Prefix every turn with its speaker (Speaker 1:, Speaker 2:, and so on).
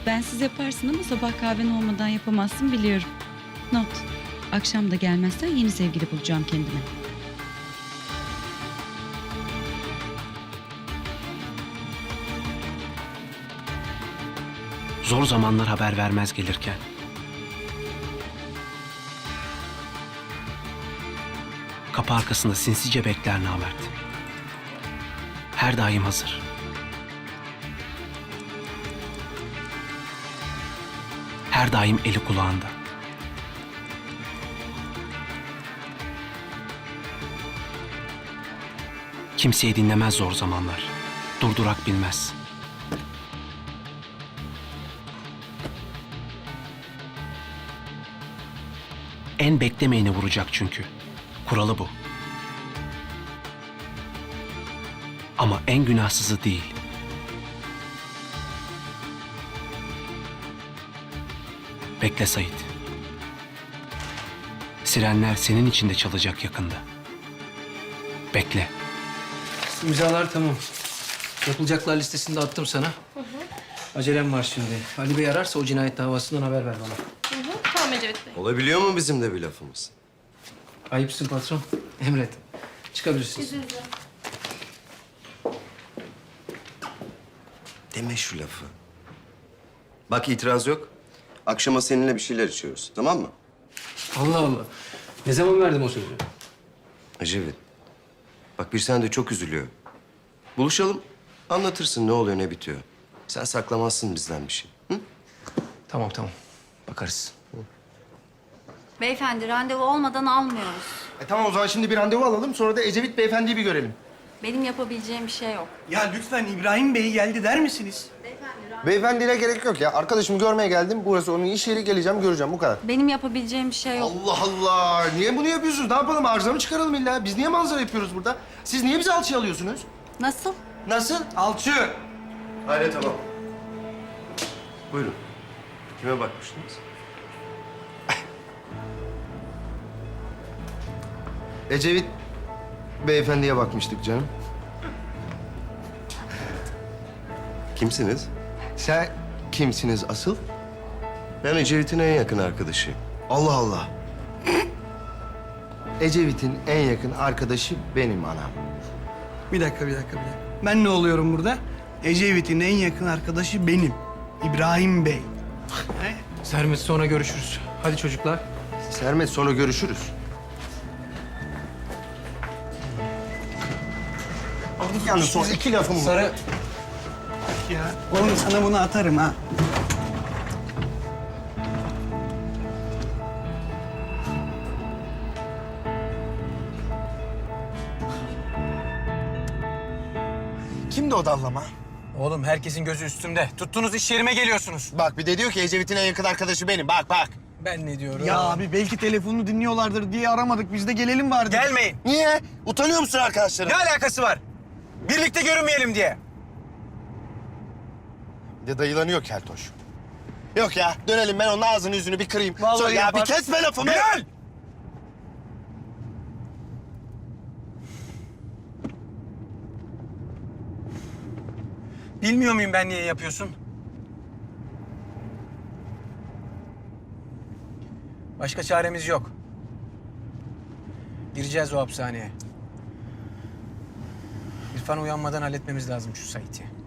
Speaker 1: Bensiz yaparsın ama sabah kahven olmadan yapamazsın biliyorum. Not. Akşam da gelmezsen yeni sevgili bulacağım kendime.
Speaker 2: Zor zamanlar haber vermez gelirken. Kapı arkasında sinsice bekler namert. Her daim hazır. Her daim eli kulağında. Kimseyi dinlemez zor zamanlar. Durdurak bilmez. En beklemeyeni vuracak çünkü. Kuralı bu. Ama en günahsızı değil. Bekle Sait. Sirenler senin için de çalacak yakında. Bekle.
Speaker 3: İmzalar tamam. Yapılacaklar listesini de attım sana. Acelem var şimdi. Ali Bey ararsa o cinayet davasından haber ver bana.
Speaker 4: Tamam Ecevit Bey.
Speaker 5: Olabiliyor mu bizim de bir lafımız?
Speaker 3: Ayıpsın patron. Emret. Çıkabilirsiniz.
Speaker 4: İzninizle.
Speaker 5: Deme şu lafı. Bak itiraz yok. Akşama seninle bir şeyler içiyoruz. Tamam mı?
Speaker 3: Allah Allah. Ne zaman verdim o sözü?
Speaker 5: Ecevit. Bak bir sen de çok üzülüyor. Buluşalım. Anlatırsın ne oluyor ne bitiyor. Sen saklamazsın bizden bir şey. Hı?
Speaker 3: Tamam tamam. Bakarız.
Speaker 6: Beyefendi randevu olmadan almıyoruz.
Speaker 7: Tamam o zaman şimdi bir randevu alalım. Sonra da Ecevit Beyefendi'yi bir görelim.
Speaker 6: Benim yapabileceğim bir şey yok.
Speaker 8: Ya lütfen İbrahim Bey geldi der misiniz?
Speaker 7: Beyefendiyle gerek yok ya. Arkadaşımı görmeye geldim. Burası onun iş yeri. Geleceğim, göreceğim. Bu kadar.
Speaker 6: Benim yapabileceğim bir şey yok.
Speaker 7: Allah Allah! Niye bunu yapıyorsunuz? Ne yapalım? Arıza mı çıkaralım illa? Biz niye manzara yapıyoruz burada? Siz niye bizi alçıya alıyorsunuz?
Speaker 6: Nasıl?
Speaker 7: Nasıl?
Speaker 8: Alçı.
Speaker 5: Hayır tamam. Buyurun. Kime bakmıştınız?
Speaker 7: Ecevit Beyefendi'ye bakmıştık canım.
Speaker 5: Kimsiniz?
Speaker 7: Sen kimsiniz asıl?
Speaker 5: Ben Ecevit'in en yakın arkadaşıyım.
Speaker 7: Allah Allah. Ecevit'in en yakın arkadaşı benim anam.
Speaker 8: Bir dakika. Ben ne oluyorum burada? Ecevit'in en yakın arkadaşı benim. İbrahim Bey.
Speaker 3: Sermet sonra görüşürüz. Hadi çocuklar.
Speaker 7: Sermet sonra görüşürüz. Yalnız son iki lafım var.
Speaker 3: Sarı.
Speaker 8: Ya oğlum sana bunu atarım ha.
Speaker 7: Kimdi o dallama?
Speaker 3: Oğlum herkesin gözü üstümde. Tuttuğunuz iş yerime geliyorsunuz.
Speaker 7: Bak bir de diyor ki Ecevit'in en yakın arkadaşı benim. Bak bak.
Speaker 3: Ben ne diyorum?
Speaker 8: Ya abi belki telefonunu dinliyorlardır diye aramadık. Biz de gelelim bari.
Speaker 3: Gelmeyin.
Speaker 7: Niye? Utanıyor musun arkadaşlarım?
Speaker 3: Ne alakası var? Birlikte görünmeyelim diye.
Speaker 7: Bir de dayılanıyor keltoş. Yok ya dönelim ben onun ağzını yüzünü bir kırayım.
Speaker 8: Vallahi
Speaker 7: Sonra ya
Speaker 8: yapar.
Speaker 7: bir kesme lafımı.
Speaker 3: Bilal! Bilmiyor muyum ben niye yapıyorsun? Başka çaremiz yok. Gireceğiz o hapishaneye. İrfan uyanmadan halletmemiz lazım şu Sait'i.